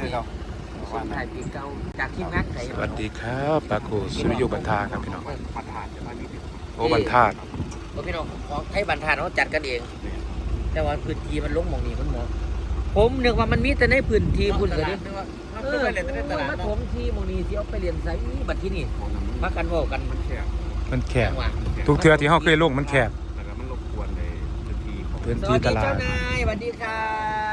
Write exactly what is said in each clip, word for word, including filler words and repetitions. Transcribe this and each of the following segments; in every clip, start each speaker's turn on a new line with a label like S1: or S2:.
S1: เขา
S2: ส่งถ่ายปีเก่าจากทีมงานไก่
S1: สวัสดีครับปาโกสุริโยบันทาครับพี่น้องโอ้บันทา
S2: โอ้พี่น้องของไทยบันทาเขาจัดกันเองแต่ว่าพื้นที่มันลงหมองนี้มันหมองผมนึกว่ามันมีแต่ในพื้นที่พุ่นเลยเออมาถมที่หมองนี้ที่เอาไปเรียนไซบัดที่นี่มากันว่ากันมันแคบ
S1: มันแคบทุกเทือที่เขาเคยลงมันแคบ
S3: แล้วก็มันรบกวนในพื้นที่ของ
S1: พื้น
S2: ส
S1: ที่
S2: วัส
S1: ต
S2: ดี
S1: ลา
S2: เจ้า
S1: ด
S2: นายสวัสดีครับ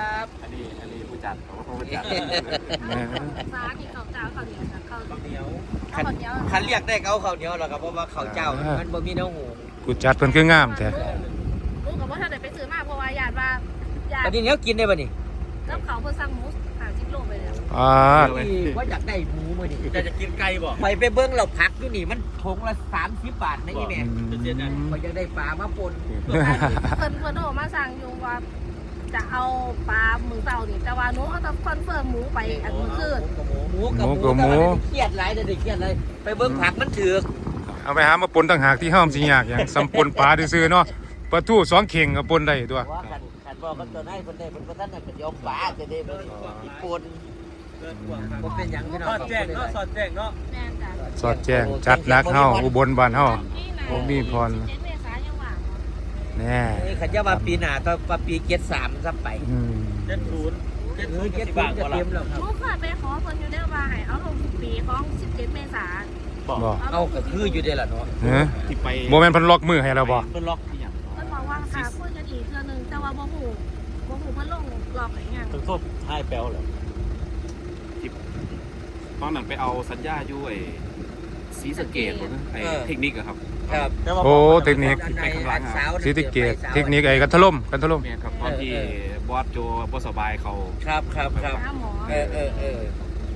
S3: อันนี้อันนี้ผู้จัดเขาผู้จัด
S4: ฟ้าที่เขาเจ้าเขาเหนียวกับเขา
S2: เหนียว
S4: เขาเหนียว
S2: คันเรียกได้เขาเขาเหนียวหรอกครับเพราะว่าเขาเจ้ามันบ่มีเนื้อหู
S1: กูจัดเพิ่นคืองามแท้
S4: รู้กับว่าถ้าเดินไปซื้อมาเพราะว่าญาติว่าญา
S2: อัน
S4: ติ
S2: นี้เนี้ยกินได้ป่ะนี่
S4: แล้วเขาเพิ่งสั่งหมูหาชิ้นโลไปแล้ว
S1: อ่า
S2: ว่าอยากได้หมูมาดิ
S3: จะจะกินไก่บ่
S2: ไปไปเบิ้งเราพักอยู่นี่มันถงละสามสิบบาทนะยี่แม่
S1: อืม
S2: เขาอยากได้ปลามาปน
S4: เพิ่นเพิ่นโทรมาสั่งอยู่ว่าจะเอาปลาหมึกเต่านี่แต่ว่าหนูเขาต้องคอนเฟิร์มหมูไปอันมื้อคืน
S2: หมูกับหมูแต่ว่าเครียดหลายเด้อเครียดเลยไปเบิ้งผักมันถือก
S1: เอาไปหามาปนต่างหากที่ห้ามสิยากอย่างสำปนปลาซื่อๆเนาะปลาทูสองเข่งก็ปนได้ตัว
S2: ว่ากันขันบอกกันตัวไหนคนใดคนท่านน่ะเป็นยอมปลาจะได้บ่ปนบ่เป็นหยังพี่น้อง
S3: สอดแจ้งเนาะสอดแจ้งเนาะ
S4: แม่นจ้ะ
S1: สอดแจ้งจัดนักเฮาอุบลบ้านเฮา ผมมีพร
S4: เจ็ดเมษายนยังว่าง
S1: แน่
S2: นี่ขันจะว่าปีหน้าก็ปีเจ็ดสามซับไป
S1: อืม
S3: เจ็ดศูนย์เจ็ด
S2: เอ
S3: ศู
S2: อน
S3: ย์
S2: เจ็ด
S3: สิบ
S2: สิบบ
S3: าท
S2: จะ
S3: ก็
S2: เต็
S3: ละ
S2: มแล้วครับ
S4: หนูเคยไปขอเพิ่นอยู่ได้ว่าให้เอาลงทุกปีของสิบเจ็ดเมษายน
S3: บอก
S1: บ่
S2: เอาก็คืออยู่ได้ล่ะเนาะ
S1: เฮ้ย
S3: ที่ไป
S1: บ่แม่นเพิ่นล็อกมือให้เราบ่
S3: เพิ่นล็อกที่อย่าง
S4: เพิ่นบอกว่าค่ะคุยกันอีกเทื่อนึงแต่ว่าบ่ฮู้บ่ฮู้เพิ่นลงรอบไหนยัง
S3: ถึงโทษท้ายแปลวเลยที่ตอนนั้นไปเอาสัญญาอยู่ไอ้สีสะเกตไอ้เทคนิคอะครับ
S2: ครับ
S1: โอ้เทคนิค
S3: ไปข้างหลัง
S2: สาว
S1: สิติเกตเทคนิคไอ้กันถล่มกันถล่ม
S3: เนี่ยครับตอนที่บอสโจบ่สบายเขา
S2: ครับครับครับ
S4: หาหมอ
S2: เออเออเออ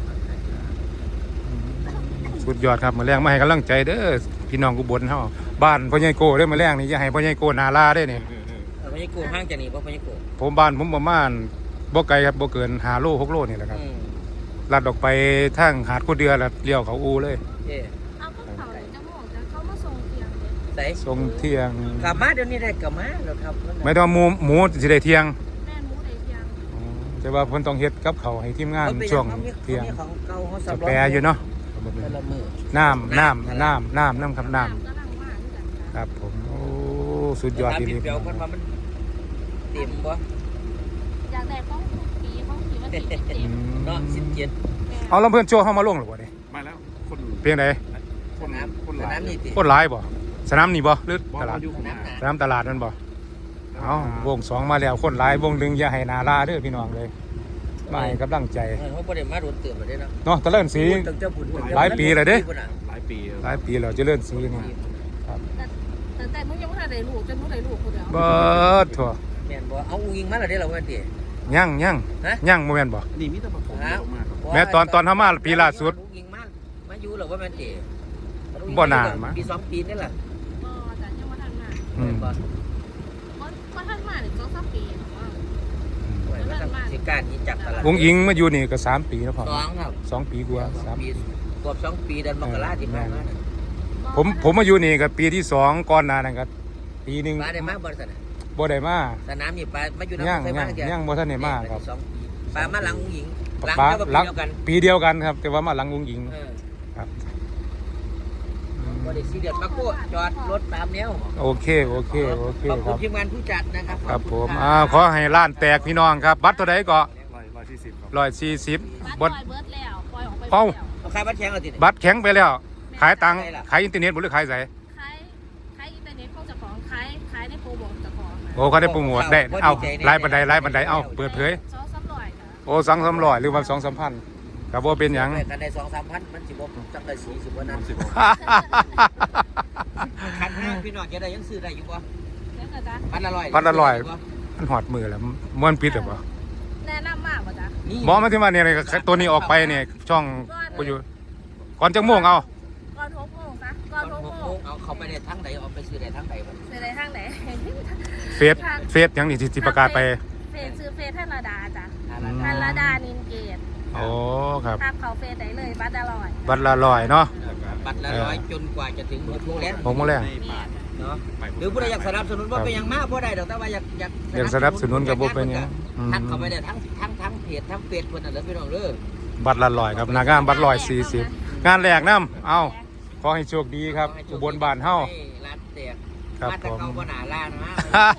S1: สุดยอดครับมื้อแรงมาให้กำลังใจเด้อพี่น้องอุบลเฮาบ้านพ่อใหญ่โกเด้อมื้อแรงนี่อย่าให้พ่อใหญ่โกนาลาเด้อนี่
S2: เออพญากูห้างจากนี่บ่พญากู
S1: ผมบ้านผมประมาณบ่ไกลครับบ่เกินห้าโลหกโลนี่แหละครับ
S2: อืม
S1: ลัดออกไปทางหาดกูเดือแล้วเลี้ยวเขาอูเลย
S2: เอ๊ะ
S4: เอาพวกเขาเลยจะบอกจะเขามาส่งเตียงเลย
S2: ใส่
S1: ทรงเที่ยง
S2: กลับมาเดี๋ยวนี้ได้กลับมาแล้วครับ
S1: ไม่ต้องหมูหมูสิได้เที่ยง
S4: แม่หมูได้เตียง
S1: แต่ว่าเพิ่นต้องเฮ็ดกับเขาวให้ทีมงาน
S2: เขาไป
S1: ช่วง
S2: เขามี
S1: เที่ยง
S2: เขามีของเก่าเขา
S1: จะ
S2: สำรอง
S1: แปรอยู่เนาะ
S2: แต่ละมือ
S1: น้ำน้ำน้ำน้ำน้ำครับน้
S4: กำลังว่าที่กัน
S1: ำครับผมโอ้สุดยอด
S2: ถาม
S1: ที
S2: พี่
S1: เดียว
S2: เปียวกันว่ามันเต็มบ่
S4: อยากได้ของทุกปีของปีวันที่สิบเจ็ด
S1: อืม
S2: เนาะสิบเจ็ด
S1: เอาแล้วเพิ่นโชว์เฮามาลงหรือบ่นี่
S3: มาแล้วคน
S1: เพียงใด
S3: คน
S2: น้
S3: คน
S2: ำ
S3: หลาย
S2: น้ำนี่ติ
S1: โคตรหลายบ่สนามนี่บ่หรือ
S3: บอก
S1: ตลาด
S3: อยู่ข้างหน้า
S1: สนามตลาดนั่นบ่เอาวงสองมาแล้วคนหลายวงหนึงอย่าให้นาลาเด้อพี่น้องเลยมาให้กำลังใจ
S2: เออเขาบ่ได้มาโดนเตือนบ่ได้เนาะ
S1: เนาะตะเลิ่นสี
S2: ตั้งแต่บุญตั้งแต่
S1: หลายปีแล้วเด้
S3: หลายปี
S1: หลายปีแล้วเจะเลื่อนสีนี่
S4: แต่แต่มึงยังไม่ทันได้ลูกจนมึงได้ลูกคนเดียว
S1: เบิดถั่ว
S2: แม่นบ่เอาอุ้งอิงมาแล้วเด้อเราว่าติ
S1: ยั่งยั่ง
S2: ฮะ
S1: ยั่งโมเมนบ่
S3: นี่มีแต่ประผมเยอะมากครับ
S1: แม้ตอนตอนเขามาปีล่าสุด
S2: อุ้งอิงมามาอยู่แล้วว่าแม่นติ
S1: บ่น่ามา
S2: ปีสองปีนี่แหละ
S4: ก็แต่ยังไม่ทันมา
S1: อืม
S2: บ่
S4: ก็ทันมาเนี่ยสองสามปี
S2: ไว้มาทำสิการที่จับตลาด
S1: วงอิงมาอยู่นี่ก็สามปีแล้วพอ
S2: สองครับ
S1: สองปีกว่า
S2: ส
S1: สา
S2: อง
S1: ม
S2: ปีกว่าสองปีเดือนมกราที่ผ่านมาน่ะ
S1: ผมผมมาอยู่นี่ก็ปีที่สองก่อนหน้านั้นก็ปีหนึง
S2: ปลาได้มาบริษัท
S1: บ่ได้มา
S2: สนามนี่ปลามาอยู่
S1: ย่าง
S2: น้ำใส่มา
S1: ย่างย่างบ่ทันได้มาครับ
S2: สองปีปลามาหลังอุ้งอิงหลัง
S1: ปลา
S2: เจ้า
S1: หลัง
S2: เดียวกัน
S1: ปีเดียวกันครับ แต่ว่ามาหลังวงอิง
S2: เออ
S1: ครับ
S2: บริษัทเดียดมาโก้จอดรถตามแนว
S1: โอเคโอเคโอเค
S2: ขอบ
S1: ค
S2: คุ
S1: รั
S2: ณ
S1: บ
S2: ทีมงานผู้จัดนะครับ
S1: ครับผม
S2: ข
S1: อ่า
S2: อบ
S1: ขอให้ร้านแตกพี่น้องครับ บัตรเท่าใดก็
S3: ร้อยร้อยสี่สิบครับ
S1: ร้อยสี่สิบ
S4: บั
S1: บั
S4: ต
S1: ต
S4: ร
S1: ร
S4: เบิร์ดแล้วปล่อยออกไป
S1: เอ้า
S2: เอาใครบัตรแข็งเอาติด
S1: บัตรแข็งไปแล้ว ขายตังค์ขายอินเทอร์เน็ตบ่หรือขายไส
S4: ขายขายอินเทอร์เน็ตของเจ้าของขายขายในโปรโมทเจ้าของ
S1: โอ้เขาได้โปรโมทได้เอาไล่บันไดไล่บันไดเอาเปิดเผย
S4: สองสามร้อยค่ะ
S1: โอ้สองสามร้อยหรือว่าสองสามพันกับว่าเป็นหยัง
S2: กันได้สองสามพันมันสิบจังได้สี่สิบวันนั้น
S3: สิบ
S2: คันห้างพี่น้องจะได้ยังซื้อได้อยู่ป่ะ
S4: เดี๋ยวนะจ๊ะ
S2: พันละร้อย
S1: พันละร้อย มันหอดมือแล้วม้วนปิดหรือเปล่า
S4: แนะนำมากป่ะจ๊ะ
S1: หมอมาที่มาเนี่ยตัวนี้ออกไปเนี่ยช่องกูอยู่ก่อนจะม่วงเอา
S4: ก่อนหกโมงซะก่อนหกโมง
S2: เอาเขาไปในทั้งไหนเอาไปซื้อในทั้งไหนบ้าง
S4: ในทางไหน
S1: เฟซเฟซหยังนี่ที่ที่ประกาศไป
S4: เฟซซื้อเฟซท่านระดาจ้ะ
S1: อืม
S4: ท่านระดานินเกต
S1: โอ้ครับ
S4: ภาพเขาเฟซได้เลยบัตรอร่อย
S1: บัตรละร้อยเนาะ
S2: บัตรละร้อยจนกว่าจะถึงหกโมงแล้ว
S1: หกโมงแรง
S3: ในป่าใน
S2: เนาะหรือผู้ใดอยากสนับสนุนว่าเป็นอย่างมากผู้ใดดอกแต่ว่าอยากอยาก
S1: อยากสนับสนุนกับบ่เป็นหยังอืม
S2: ทักเข้าไปได้ทั้งทั้งทั้งเพจทั้งเฟซเพิ่นน่ะเด้อพี่น้องเด้อ
S1: บัตรละร้อยครับหนางานบัตรร้อยสี่สิบงานแรกนำเอาขอให้โชคดีครับอุบลบ้านเฮา
S2: ให้ร้านแตก
S1: ครับ
S2: มาแต่
S1: ผม
S2: เขาบ่หนาล้านนะ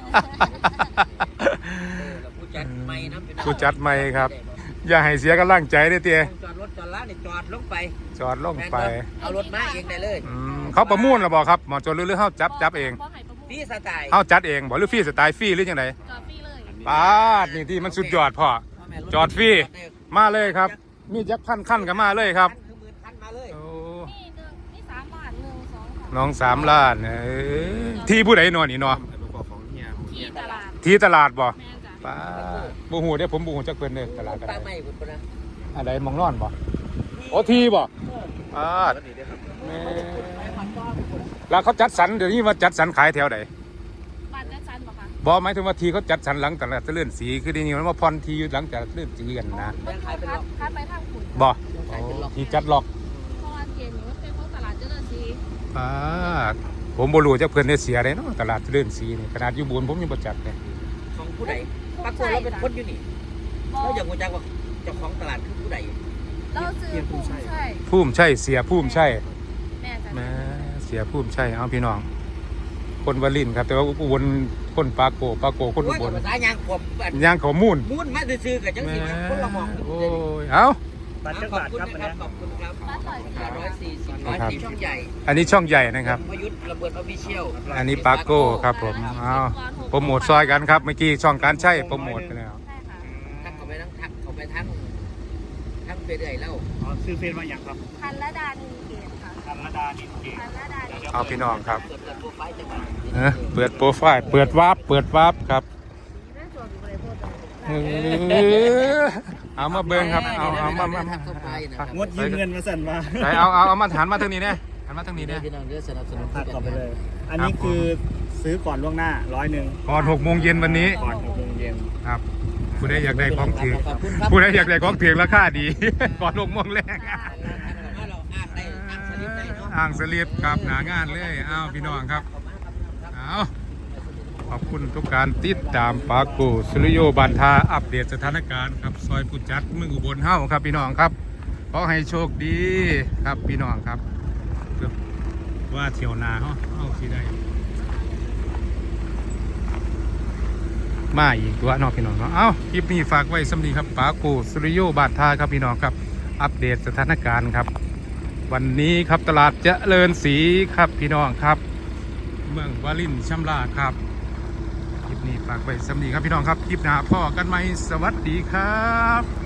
S2: ผู้จัดไม่นะพี่น้อง
S1: ผู้จัดใหม่ครับ อย่าให้เสียกำลังใจเด้อเตี้ย
S2: จอดรถจอดร้านนี่จอดลงไป
S1: จอดลงไป
S2: เอารถมาเองได้เลย
S1: อืมเขาประมูลหรือบ่ครับหมอจนหรือหรือเฮาจับจับเอง
S4: บ่ให้ประมูล
S2: พี่สไตล์
S1: เฮาจัดเองบ่หรือฟรีสไตล์ฟรีหรือจังได
S4: จอดฟรีเลย
S1: ปาดนี่ที่มันสุดยอดพ่อ จอดฟรี มาเลยครับ มีจักพันขั้นกันมาเลยครับ
S2: คือหมื่นพันมาเลย
S1: โอ้
S4: นี่หนึ่งนี่สามบาทหนึ่งสองสาม
S1: น้องสามล้านเอ้ยที่ผู้ใดนอนนี่เนาะ
S3: ประกอบของเฮียของเฮี
S4: ที่
S3: ย
S4: ตลาด
S1: ที่ตลาดบ่
S4: แม่จ้ะ
S1: ป้าบ่ฮู้เด้อผมบ่ฮู้จักเพิ่นเด้อตลาดกัน
S2: ปลาใหม่พุ่นพุ่นนะ
S1: อันใดมองนอนบ่โอ้ที่บ่ปาด
S3: นี่ด้วยครับ
S1: แม่แล้วเขาจัดสรรเดี๋ยวนี้ว่าจัดสรรขายแถวใด
S4: บาทจะชันบ่คะ
S1: บ่หมายถึงว่าทีเขาจัดสรรหลังแต่ละเลื่อนสีคือเดียวนี้มันว่าพรทีอยู่หลังจากเลื่อนสีกันนะ
S4: มันคัดคัดไปทางขุน
S1: บ่ทีจัดล็อก
S4: เพราะว่าเกณฑ์นี้มันเป็นของตลาดเจริญศรี
S1: ป้าดผมบ่รู้จักเพิ่นได้เสียได้เนาะตลาดเลื่อนสีนี่ขนาดอยู่บุญผมยังบ่จักเลย
S2: ของผู้ใดปรากฏเราเป็นคนอยู่นี่
S4: บ่
S2: เราอยากรู้จักว่าเจ้าของตลาดคือผู้ใด
S4: เราซื้อผู้ใช่
S1: ภูมิใช่เสียภูมิใช่
S4: แม่จ้ะ
S1: แม่เสียภูมิใช่เอาพี่น้อง คนวลินทร์ครับ แต่ว่าอุบลคนปาโกปาโกคนอุ
S2: โอ้ย
S1: บล
S2: ภาษายางผมแบบ
S1: ย่างเขามูล
S2: มุ่นมาซื่อๆกับจัง
S1: แม่
S2: สิคนละหมอง
S1: โอ้ยเอ้า
S2: บัตรจังหวัดครับขอบคุณครับ
S4: บ้านต่อยเสีย
S2: ร้อยสี่สิบร้อยสี่ช่องใหญ่
S1: อันนี้ช่องใหญ่นะครับ
S2: พยุทธ์ระเบิดออฟฟิเชียล
S1: อันนี้ปาโก้ครับผมเอาโปรโมทซอยกันครับเมื่อกี้ช่องการใช้โปรโมทไปแล้ว
S4: ใช่ค่ะ
S2: ทักเข้าไปทั้งทักเข้าไปทั้งทั้งไปเรื่อยแล้ว
S5: อ๋อซื้อเฟซมาอย่างครับ
S4: พันละดานินเกตค่ะ
S5: ธรรมดานินเกต
S4: พันละดานิน
S1: เอาพี่น้องครับ
S2: เปิดโปรไฟล์จังหวัด
S1: เอ้อเปิดโปรไฟล์เปิดวาร์ปเปิดวาร์ปครับ
S4: แม่จวดอยู่บริโภค
S1: เออเอามาเบิ่งครับเอาเอามามา
S2: ทักเข้าไปนะครับ
S5: งดยืมเงินมาสั่นมา
S1: ไปเอาเอาเอามาหันมาทางนี้เนี่ยหันมาทางนี้เนี่ย
S2: พี่น้องเด้อสนับสนุน
S5: ตัดต่อไปเลย อันนี้คือซื้อก่อนล่วงหน้าร้อยหนึ่ง
S1: ก่อนหกโมงเย็นวันนี้
S5: ก่อนหกโมงเย็น
S1: ครับผู้ใดอยากได้ของถือ
S2: ขอบคุณครับ
S1: ผู้ใดอยากได้ของถือราคาดี ก่อนหกโมงแรก
S2: เราอ้างได้อ้างสลิปได้เนาะ
S1: อ่างสลีปครับหนางานเลยอ้าวพี่น้องครับเอาขอบคุณทุกการติดตามปาโกสุริโยบันทาอัปเดตสถานการณ์ครับซอยผู้จัดเมืองอุบลเฮ้าครับพี่น้องครับขอให้โชคดีครับพี่น้องครับเกือบว่าเที่ยวนาเฮาเอาสิได้มาอีกตัวเน้องพี่น้องเนาะเอ้าคลิปนี้ฝากไว้สำนีครับปาโกสุริโยบันทาครับพี่น้องครับอัปเดตสถานการณ์ครับวันนี้ครับตลาดเจริญศรีครับพี่น้องครับเมืองวารินชำราบครับคลิปนี้ฝากไว้สำนีครับพี่น้องครับคลิปหน้าพ่อกันไหมสวัสดีครับ